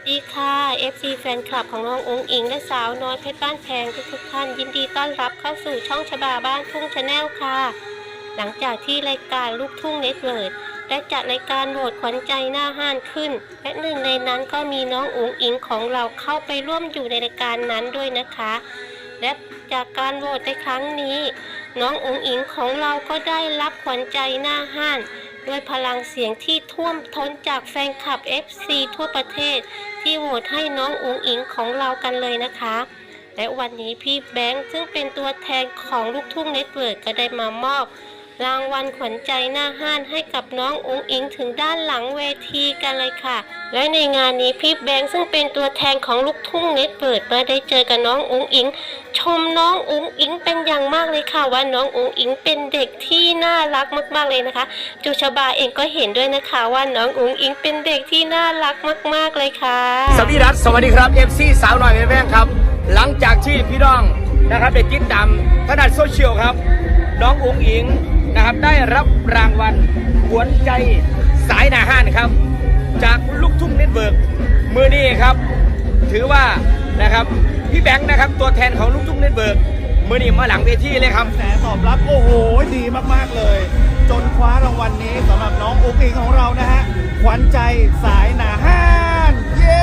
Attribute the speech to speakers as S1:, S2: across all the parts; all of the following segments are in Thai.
S1: ดีค่ะ FC แฟนคลับของน้องอุ๋งอิงและสาวน้อยเพชรบ้านแพงทุกท่านยินดีต้อนรับเข้าสู่ช่องชบาบ้านทุ่งชาแนลค่ะหลังจากที่รายการลูกทุ่งเน็ตเวิร์ดได้จัดรายการโหวตขวัญใจหน้าห้านขึ้นและหนึ่งในนั้นก็มีน้องอุ๋งอิงของเราเข้าไปร่วมอยู่ในรายการนั้นด้วยนะคะและจากการโหวตในครั้งนี้น้องอุ๋งอิงของเราก็ได้รับขวัญใจหน้าห้านด้วยพลังเสียงที่ท่วมท้นจากแฟนคลับ FC ทั่วประเทศที่โหวตให้น้องอุ๋งอิงของเรากันเลยนะคะและวันนี้พี่แบงค์ซึ่งเป็นตัวแทนของลูกทุ่งเน็ตเวิร์กก็ได้มามอบรางวัลขวัญใจหน้าห้านให้กับน้องอุ๋งอิงถึงด้านหลังเวทีกันเลยค่ะและในงานนี้พี่แบงค์ซึ่งเป็นตัวแทนของลูกทุ่งเน็ตเวิร์กมาได้เจอกับน้องอุ๋งอิงชมน้องอุ๋งอิงเป็นอย่างมากเลยค่ะว่าน้องอุ๋งอิงเป็นเด็กที่น่ารักมากๆเลยนะคะจูชบาเองก็เห็นด้วยนะคะว่าน้องอุ๋งอิงเป็นเด็กที่น่ารักมากๆเลยค่ะ
S2: สวัสดีครับ FC สาวหน่อยแม่ๆครับหลังจากที่พี่น้องนะครับได้ติดตามทางด้านโซเชียลครับน้องอุ๋งอิงนะครับได้รับรางวัลขวัญใจสายหน้าห้านครับจากลูกทุ่งเน็ตเวิร์กมือนี้ครับถือว่านะครับพี่แบงค์นะครับตัวแทนของลูกทุ่งเน็ตเวิร์กมือนี้มาหลังเวทีเลยครับ
S3: แสตอบรับโอ้โหดีมากๆเลยจนคว้ารางวัลนี้สำหรับน้องอุ๋งอิงของเรานะฮะขวัญใจสายหน้าห้านเย้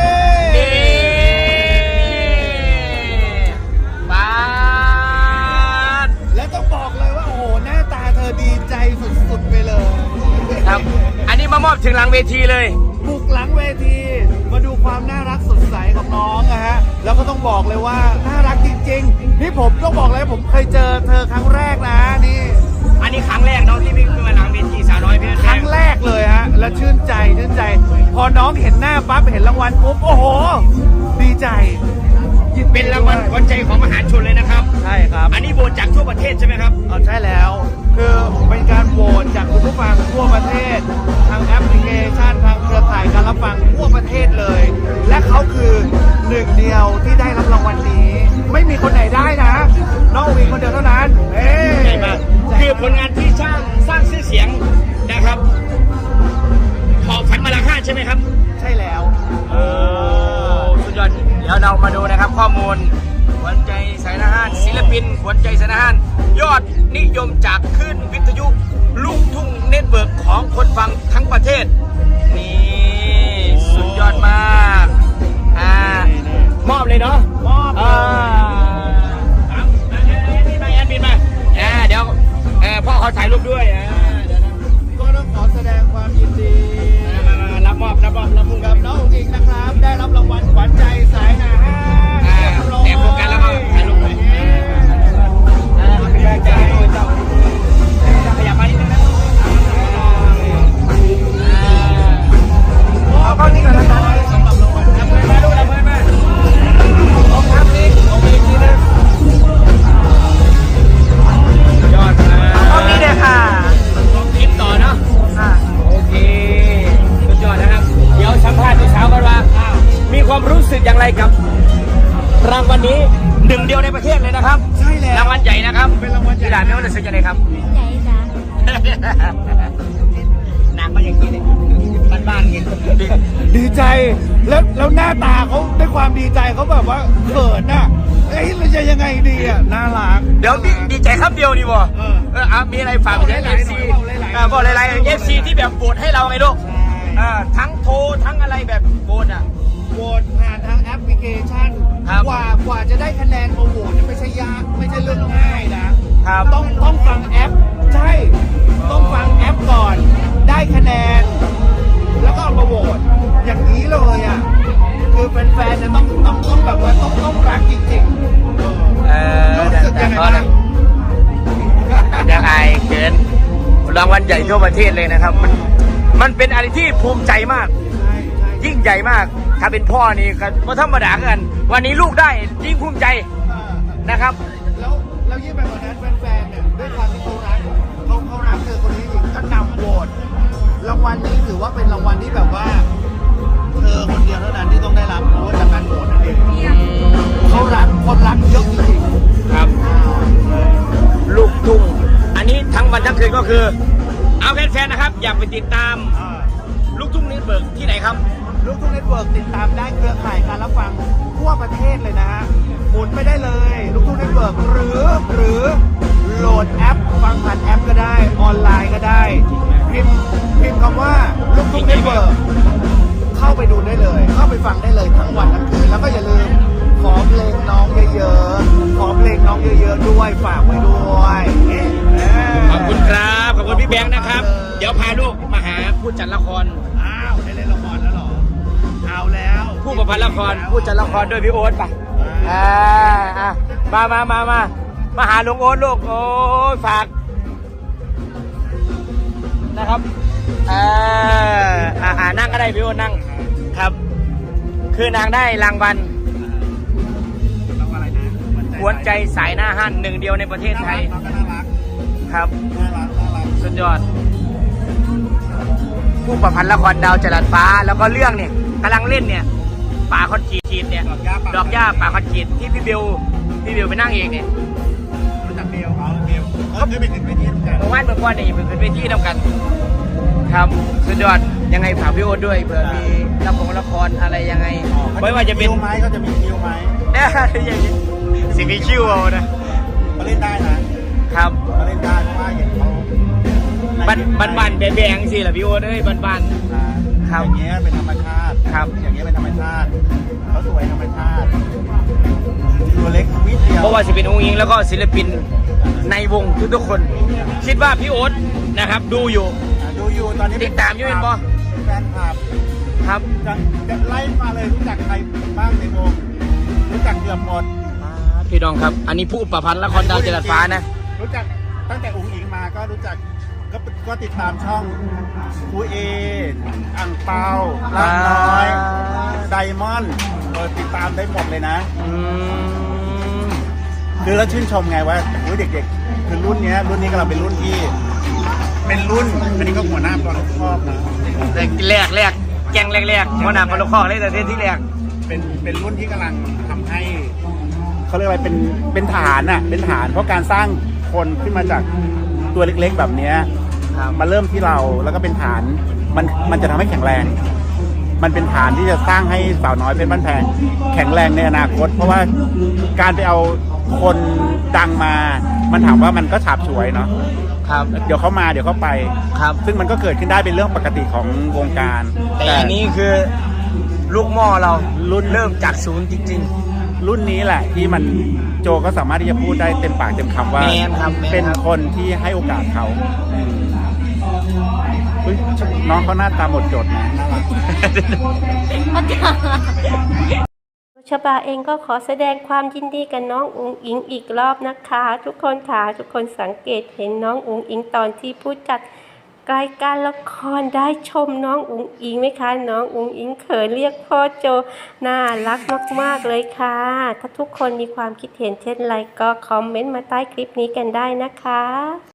S2: บ้าน
S3: และต้องบอกเลยว่าโอ้โหหน้าตาเธอดีใจสุดๆไปเลย
S2: ครับอันนี้มามอบถึงหลังเวทีเลย
S3: บุกหลังเวทีมาดูความน่ารักสดใสของน้องนะฮะแล้วก็ต้องบอกเลยว่าน่ารักจริงๆนี่ผมต้องบอกเลยผมเคยเจอเธอครั้งแรกนะนี่
S2: อันนี้ครั้งแรกน้องที่วิ่งมาหลังเวทีสาวน้อยเพชร
S3: ครั้งแรกเลยฮะและชื่นใจพอน้องเห็นหน้าปั๊บเห็นรางวัลปุ๊บโอ้โหดีใจ
S2: เป็นรางวัลขวัญใจของมหาชนเลยนะครับ
S3: ใช่ครับ
S2: อันนี้โหวตจากทั่วประเทศใช่ไหมครับ
S3: ใช่แล้วคือเป็นการโหวตจากคุณผู้ฟังทั่วประเทศทางแอปพลิเคชันทางเครือข่ายการรับฟังทั่วประเทศเลยและเขาคือหนึ่งเดียวที่ได้รับรางวัลนี้ไม่มีคนไหนได้นะน้องอุ๋งอิงคนเดียวเท่านั้น
S2: ใช่มากคือผลงานที่สร้างชื่อเสียงนะครับหอบฝันมาละห้าใช่ไหมครับ
S3: ใช่แล้ว
S2: สุดยอดเดี๋ยวเรามาดูนะครับข้อมูลขวัญใจสายหน้าห้านศิลปินขวัญใจสายหน้าห้านยอดนิยมจากคลื่นวิทยุลูกทุ่งเน็ตเวิร์กของคนฟังทั้งประเทศนี่สุดยอดมากมอบเลยเนาะ
S3: มอบ
S2: บินมาเดี๋ยวพ่อเขาถ่ายรูปด้วย
S3: ก็ต้องขอแสดงความยินดี
S2: รับมอบ
S3: กับน้องอุ๋งอิงนะครับได้รับรางวัลขวัญใจสายหน้าห้าน
S2: แต่โฟกัสแล้วก็ถ่ายรูปหน่อยขยับมานิดนึงนะ
S3: เอาข้อนี้ก่อนนะครับสำหรับรางวัล
S2: รับมือมาดูรับมือมา
S3: ลองทำนี้ลองไปอีกทีนึง
S2: ยอด
S3: ข้อนี้เลยค่ะ
S2: ลองคิดต่อเนาะโอเคสุดยอดนะครับเดี๋ยวสัมภาษณ์พี่สาวกันว่ามีความรู้สึกอย่างไรกับรางวัลนี้หนึ่งเดียวในประเทศเลยนะครับ
S3: ใช่แล้ว
S2: รางวัลใหญ่นะครับ
S3: เป็นรางวัลใหญ่
S2: ที่ด่านไม่ว่าจะสึกยังไงครับ
S1: ใหญ่จ้ะ
S2: นางก็อย่างนี้เลยบ้านๆเงี้ย
S3: ดีใจแล้วหน้าตาเขาด้วยความดีใจเขาแบบว่าเขินน่ะเราจะยังไงดีอ่ะน่ารัก
S2: เดี๋ยวดีใจครับเดียวดีบ่มีอะไรฝากไปถึง FC บอกหลายๆ FC ที่แบบโหวตให้เราไงลูกทั้งโทรทั้งอะไรแบบโหวต
S3: โหวตผ่านทางแอปพลิเคชันกว่าจะได้คะแนนมาโหวตไม่ใช่ยากไม่ใช่เรื่องง่ายนะต้องฟังแอปใช่ต้องฟังแอปก่อนได้คะแนนแล้วก็เอามาโหวตอย่างนี้เลยอ่ะคือแฟนๆจะต้องแบบว่าต้องรักจริงๆรู้สึกยังไงบ้าง
S2: ยังไงเกินรางวัลใหญ่ทั่วประเทศเลยนะครับมันเป็นอะไรที่ภูมิใจมากยิ่งใหญ่มากถ้าเป็นพ่อนี่ก็ธรรมดากันวันนี้ลูกได้ยิ่งภูมิใจนะครับ
S3: แล้วยิ่งไปกว่านั้นแฟนๆเนี่ยด้วยความที่เขารักเธอคนนี้จริงก็นำโหวตรางวัลนี้ถือว่าเป็นรางวัลที่แบบว่าเธอคนเดียวเท่านั้นที่ต้องได้รับเพราะว่าจากการโหวตนั่นเองเขารักคนรักเยอะจริง
S2: ๆครับลูกทุ่งอันนี้ทั้งวันทั้งคืนก็คือเอาแฟนๆนะครับอยากไปติดตามลูกทุ่งเน็ตเวิร์กที่ไหนครับ
S3: ลูกทุ่งเน็ตเวิร์กติดตามได้เครือทุกเน็ตเวิร์กเข้าไปดูได้เลย เข้าไปฟังได้เลยทั้งวันทั้งคืนแล้วก็อย่าลืมขอเพลงน้องเยอะๆขอเพลงน้องเยอะๆด้วยฝากไว้ด้วย
S2: ขอบคุณครับขอบคุณพี่แบงค์นะครับ เดี๋ยวพาลูกมาหาผู้จัดละคร
S3: อ้าวได้เล่นละครแล้วเหรอเอาแล้ว
S2: ผู้ประพันธ์ละครผู้จัดละครด้วยพี่โอ๊ตป่ะมาหาลุงโอ๊ตลูกโอ้ฝากนะครับนั่งก็ได้พี่โอ๊ตนั่งครับ คือนางได้รางวัลหัวใจสายหน้าห้านหนึ่งเดียวในประเทศไทยครับสุดยอดผู้ประพันธ์ละครดาวจรัสฟ้าแล้วก็เรื่องเนี่ยกำลังเล่นเนี่ยป่าคอนกรีตเนี่ยดอกหญ้าป่าคอนกรีตที่พี่เบลไปนั่งเองเนี่ย
S3: รู้จักเบลเขาเคยไปขึ้นเวทีด้วยกัน
S2: เมื่อวานนี่เป็นเวทีนำกันครับสุดยอดยังไงฝากพี่โอ๊ตด้วยเผื่อมีละครอะไรยังไงไม่ว่าจะเป็น
S3: คิวไหมเขาจะมีคิวไหม
S2: เนี่ยอย่างนี้สิมีคิวเอานะ
S3: เขาเล่นได้นะครับเขาเล่นได้เพราะว่าอย่างเขา
S2: บ้านแบงสิล่ะพี่โอ๊ตเอ้ยบ้านครับ
S3: อย่างเงี้ยเป็นธรรมชาติ
S2: ครับ
S3: อย่างเงี้ยเป็นธรรมชาติเขาสวยธรรมชาติตัวเล็กวิเดียว
S2: เพราะว่าสิเป็นองค์หญิงแล้วก็ศิลปินในวงทุกคนคิดว่าพี่โอ๊ตนะครับดูอยู่
S3: ตอนนี้
S2: ติดตามอยู่เป็นปะ
S3: แฟนคลับ
S2: ครับ
S3: จะไล่มาเลยรู้จักใครบ้างในวงรู้จักเกือบหมด
S2: พี่น้องครับอันนี้ผู้ประพันธ์ละครดาวจรัสฟ้านะ
S3: รู้จักตั้งแต่องค์หญิงมาก็รู้จักก็ติดตามช่องคูเออังเปาลาน้อยไดมอนด์ติดตามได้หมดเลยนะคือแล้วชื่นชมไงว่าเด็กๆคือรุ่นนี้กำลังเป็นรุ่นที่เป็นรุ่นอันนี้ก็หัวหน้าตอนชอบนะ
S2: แรกแกงแรกหัวหน้าปลอกข้อเลยแต่ที่แรก
S3: เป็นรุ่นที่กำลังทำให้เขาเรียกว่าเป็นฐานน่ะเป็นฐานเพราะการสร้างคนขึ้นมาจากตัวเล็กๆแบบนี้มาเริ่มที่เราแล้วก็เป็นฐานมันจะทำให้แข็งแรงมันเป็นฐานที่จะสร้างให้สาวน้อยเพชรบ้านแพงแข็งแรงในอนาคตเพราะว่าการไปเอาคนดังมามันถามว่ามันก็ฉาบฉวยเนาะ
S2: ครับ
S3: เดี๋ยวเขามาเดี๋ยวเขาไป
S2: ครับ
S3: ซึ่งมันก็เกิดขึ้นได้เป็นเรื่องปกติของวงการ
S2: แต่อันนี้คือลูกหม้อเรารุ่นเริ่มจากศูนย์จริง
S3: ๆรุ่นนี้แหละที่มันโจก็สามารถที่จะพูดได้เต็มปากเต็มคำว่าเป็นคนที่ให้โอกาสเขาน้องเขาหน้าตาหมดจดนะ
S1: ชบาเองก็ขอแสดงความยินดีกับน้องอุ๋งอิงอีกรอบนะคะทุกคนค่ะทุกคนสังเกตเห็นน้องอุ๋งอิงตอนที่ผู้จัดรายการละครได้ชมน้องอุ๋งอิงไหมคะน้องอุ๋งอิงเขินเรียกพ่อโจน่ารักมากๆเลยค่ะถ้าทุกคนมีความคิดเห็นเช่นไรก็คอมเมนต์มาใต้คลิปนี้กันได้นะคะ